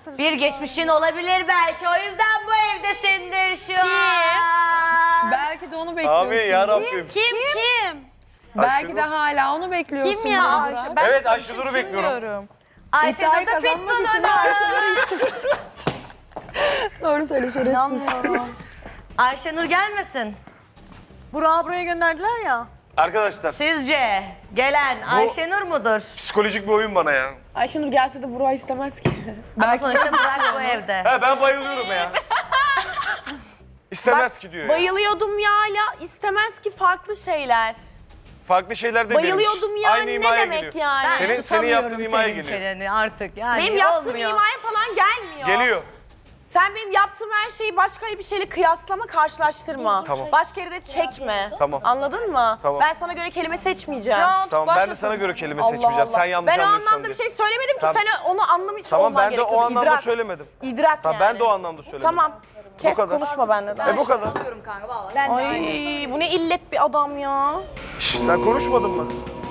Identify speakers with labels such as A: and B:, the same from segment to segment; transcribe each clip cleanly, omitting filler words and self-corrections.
A: Bir geçmişin olabilir belki. O yüzden bu evdesindir şu an.
B: Belki de onu bekliyorsun.
C: Amin yarabbim.
D: Kim?
B: Belki de hala onu bekliyorsun.
D: Kim ya
B: Burak.
D: Ayşe? Ben
C: Evet
D: sana
C: Ayşenur'u bekliyorum.
A: Ayşenur
B: İddiayı
A: da
B: kazanmak için
A: pitbull'u.
B: Ayşenur'u Doğru söyle şerefsiz.
A: Ayşenur gelmesin.
E: Burak'ı buraya gönderdiler ya.
C: Arkadaşlar
A: Sizce gelen Ayşenur mudur?
C: psikolojik bir oyun bana ya.
E: Ayşenur gelse de Burak'ı istemez ki.
A: Ama sonuçta Burak bu evde.
C: He ben bayılıyorum ya. İstemez ki diyor ya.
E: Bayılıyordum ya hala istemez ki farklı şeyler.
C: Farklı şeyler demeyelim.
E: Bayılıyordum ya,
C: Aynı
E: ne
C: imaya
E: demek
C: geliyor.
E: yani?
C: Senin yaptığın imaya
A: senin
C: geliyor.
A: çeneni artık yani
E: Benim yaptığım
A: olmuyor.
E: imaya falan gelmiyor.
C: Geliyor.
E: Sen benim yaptığım her şeyi başka bir şeyle kıyaslama, karşılaştırma.
C: Tamam.
E: Başka yere de çekme.
C: Tamam.
E: Anladın mı?
C: Tamam.
E: Ben sana göre kelime seçmeyeceğim.
C: Tamam ben de sana göre kelime seçmeyeceğim. Sen yanlış
E: Ben o
C: anlıyorsan
E: anlamda bir
C: diye.
E: şey söylemedim ki
C: Tamam.
E: sen onu anlamış
C: Tamam
E: olman
C: ben de
E: gerekiyordu.
C: o anlamda
E: İdrak.
C: söylemedim.
E: İdrak
C: Tamam
E: yani.
C: ben de o anlamda söylemedim.
E: Tamam. Kes
C: kadar.
E: konuşma benden.
C: Bu kadar.
E: Ay bu ne illet bir adam ya.
C: Şş, sen konuşmadın mı?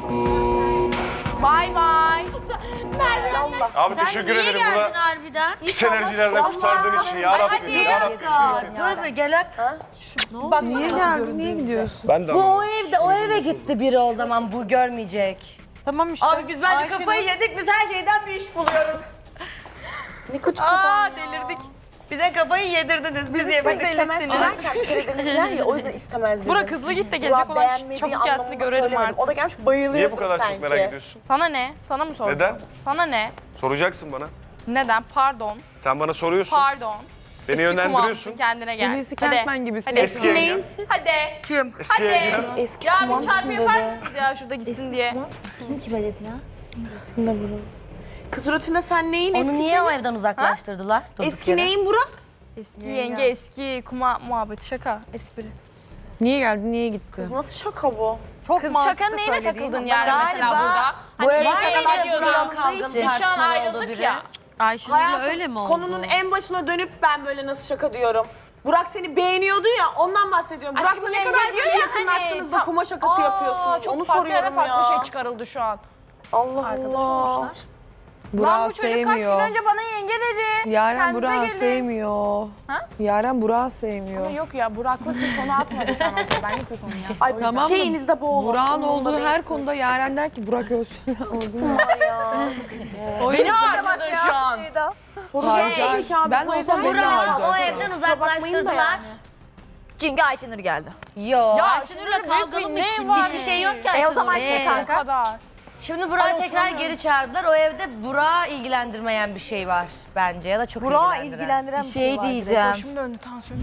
E: Bay bay. Merve Allah.
C: Abi teşekkür ederim buna.
D: harbiden?
C: Pis enerjilerden kurtardığın için ya Rabbim. Ya Rabbim.
A: Dur bir gel öp.
B: Niye geldin? Niye gidiyorsun?
C: Ben de
A: Bu o
C: anlamadım.
A: evde, o eve gitti biri o zaman bu görmeyecek.
E: Tamam işte.
A: Abi biz bence kafayı yedik, biz her şeyden bir iş buluyoruz.
E: Ne küçük adam ya.
A: delirdik. Bize kafayı yedirdiniz, biz yemedik.
E: İstemez derken bir kere denediler ya o yüzden istemez dedim.
F: Burak hızlı git de gelecek
E: Burak
F: olan
E: beğenmediği
F: çabuk gelsin de
E: anlamında
F: görelim
E: söylemedim.
F: artık.
E: O da gelmiş bayılıyordu
C: Niye bu kadar
E: sanki.
C: çok merak ediyorsun?
F: Sana ne? Sana mı sordum?
C: Neden?
F: Sana ne?
C: Soracaksın bana.
F: Neden? Pardon.
C: Sen bana soruyorsun.
F: Pardon.
C: Beni
F: Eski
C: yönlendiriyorsun.
F: kumansın, kendine gel.
B: Hulusi
F: Hadi.
B: Kentmen gibisin.
F: Hadi.
C: Eski yenge.
F: Hadi.
C: Eski yenge.
E: Eski
F: Ya bir
E: kumansın
F: çarpı
E: dedi.
F: yapar mısınız ya şurada gitsin diye?
E: Kız rutinde sen neyin
A: Onu
E: eskisi?
A: niye o evden uzaklaştırdılar? Durduk
E: Eski
A: yere.
E: neyin Burak?
F: Eski yenge, eski kuma muhabbeti şaka, espri.
B: Niye geldin? Niye gitti?
E: Nasıl şaka bu?
F: Kız şaka neyine takıldın yani mesela burada?
A: Bu evde
F: var
A: şakalar
F: mıydı
A: kurulan
F: Burak'ın
A: kavgalı
F: için? Şu an
A: tartışmalı olduğu
F: ayrıldık
A: biri.
F: ya.
D: Ayşenur'la
E: Hayatım,
D: öyle mi oldu?
E: konunun en başına dönüp ben böyle nasıl şaka diyorum. Burak seni beğeniyordu ya ondan bahsediyorum. Burak'la ne kadar
F: diyor
E: böyle
F: ya
E: yakınlaştınız da
F: hani,
E: kuma şakası yapıyorsunuz.
F: Çok
E: Onu
F: farklı yere
E: soruyorum
F: farklı
E: ya.
F: şey çıkarıldı şu an.
E: Allah Allah.
B: Burak'ı
F: Bu çocuk kaç gün
B: sevmiyor.
F: önce bana yenge dedi.
B: Yaren
F: Kendinize
B: Burak'ı
F: gelin.
B: sevmiyor.
F: Ha?
B: Yaren Burak'ı sevmiyor.
F: Yok ya Burak'lık bir konu atmadı şu an ortaya. Benlik bir konu ya.
E: Ay
B: Tamam da
E: şeyinizde boğulun.
B: Burak'ın olduğu her konuda Yaren der ki Burak ölsün.
F: Beni harcadın şu an.
E: Tabii ki abi,
B: Ben
E: bu
B: olsam
E: evden
B: beni de
E: çıkamaz.
B: harcar.
A: O evden
E: Kusura bakmayın da
A: uzaklaştırdılar.
E: yani.
D: Çünkü Ayşenur geldi.
A: Yo.
F: Ayşenur'la kavgalı mı için?
A: Hiçbir şey yok ki Ayşenur'un.
D: o zaman
F: O kadar.
A: Şimdi Burak'ı tekrar geri çağırdılar. O evde Burak'ı ilgilendirmeyen bir şey var bence ya da çok
G: Burak'ı
A: ilgilendiren.
G: ilgilendiren bir şey
D: Şey
G: var.
D: diyeceğim.
F: Şimdi döndü tansiyon.